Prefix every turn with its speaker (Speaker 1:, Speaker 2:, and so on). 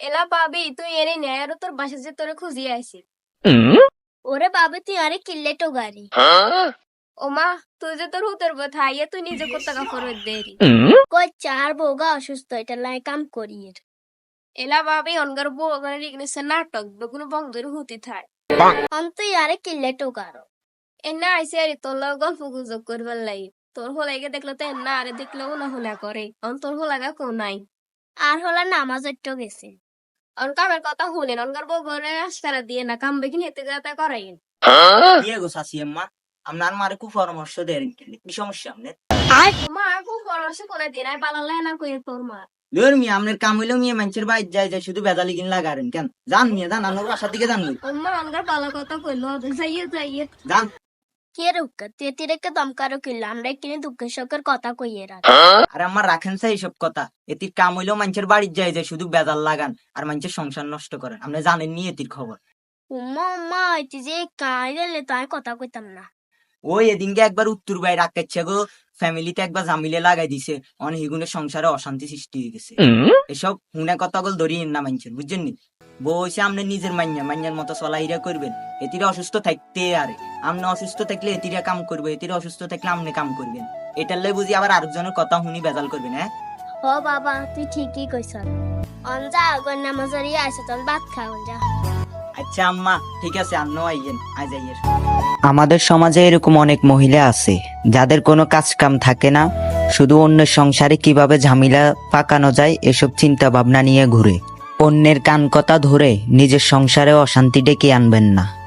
Speaker 1: এলা ভাবি তুই এনে নে আর তোর বাসা যে তোরে খুঁজি আইছি।
Speaker 2: ওরে বাবা তুই আরে কিল্লে তো গাড়ি
Speaker 1: ও মা তুই যে তোর হুতের কথা আইয়া তুই নিজে কোথা কাপড় দেরি
Speaker 2: কই চার বউগা অসুস্থ এটা লাই কাম করি
Speaker 1: এলা ভাবি অনগার বউ ওখানে রিগনেছে নাটক বেগুন বংদের হুতি থাই
Speaker 2: অন তুই আরে কিল্লে তো গারো
Speaker 1: এনা আইসে আরে তোর লগে গল্প গুজব করবার লাই তোর হোলাইকে দেখলে তো এনা আরে দেখলেও না হোলা করে অন তোর হোলাগা কেউ নাই
Speaker 2: আর হলা নামাজ একটু গেছে
Speaker 1: অন কামের কথা শুনেন অনগার বউ ঘরে আসকারা দিয়ে না কাম বেকিন হেতে যাতে করাই
Speaker 3: দিয়ে গো শাশি আম্মা আপনার মারে খুব পরামর্শ দেন কি সমস্যা আপনার
Speaker 1: মা খুব পরামর্শ করে দিন আর পালালে না কই তোর মা
Speaker 3: ধর মিয়া আপনার কাম হইলেও মিয়া মানুষের বাইর যায় যায় শুধু বেজালি কিন লাগারেন কেন যান মিয়া যান আপনার বাসার দিকে যান মিয়া।
Speaker 1: মা অনগার পালা কথা কইলো যাইয়ে যাইয়ে
Speaker 3: যান
Speaker 2: কে রুক্কা তুই তিরেকে দমকারো কিল্লা আমরা কিনে দুঃখের শোকের কথা কইয়ে রাখ
Speaker 3: আর আমার রাখেন চাই এইসব কথা এটির কাম হইলেও মানুষের বাড়ির যায় যায় শুধু বেজাল লাগান আর মানুষের সংসার নষ্ট করেন আপনি জানেন নি এটির খবর
Speaker 2: উম্মা উম্মা তুই যে কাই গেলে তাই কথা কইতাম না
Speaker 3: ওই এদিনকে একবার উত্তর বাইরে রাখাচ্ছে গো ফ্যামিলিতে একবার জামিলে লাগাই দিছে অনেক হিগুনের সংসারে অশান্তি সৃষ্টি হয়ে গেছে এসব হুনে কথা গল ধরিয়ে না মানছেন বুঝছেন নি বউ হইছে আপনি নিজের মাইয়ার মতো চলাইরা করবেন এটিরা অসুস্থ থাকতে আরে আপনি অসুস্থ থাকলে এটিরা কাম করবে এটিরা অসুস্থ থাকলে আপনি কাম করবেন এটার লাই বুঝি আবার আরেকজনের কথা শুনি বেজাল করবেন হ্যাঁ
Speaker 2: ও বাবা তুই ঠিকই কইছ অন যা আগর নামাজারি আইছে তখন ভাত খাওন যা
Speaker 3: আচ্ছা আম্মা ঠিক আছে আপনিও আইয়েন আজ আইয়ের আমাদের সমাজে এরকম অনেক মহিলা আছে যাদের কোনো কাজ কাম থাকে না শুধু অন্যের সংসারে কিভাবে ঝামেলা পাকানো যায় এসব চিন্তা ভাবনা নিয়ে ঘুরে অন্যের কান কথা ধরে নিজের সংসারে অশান্তি ডেকে আনবেন না।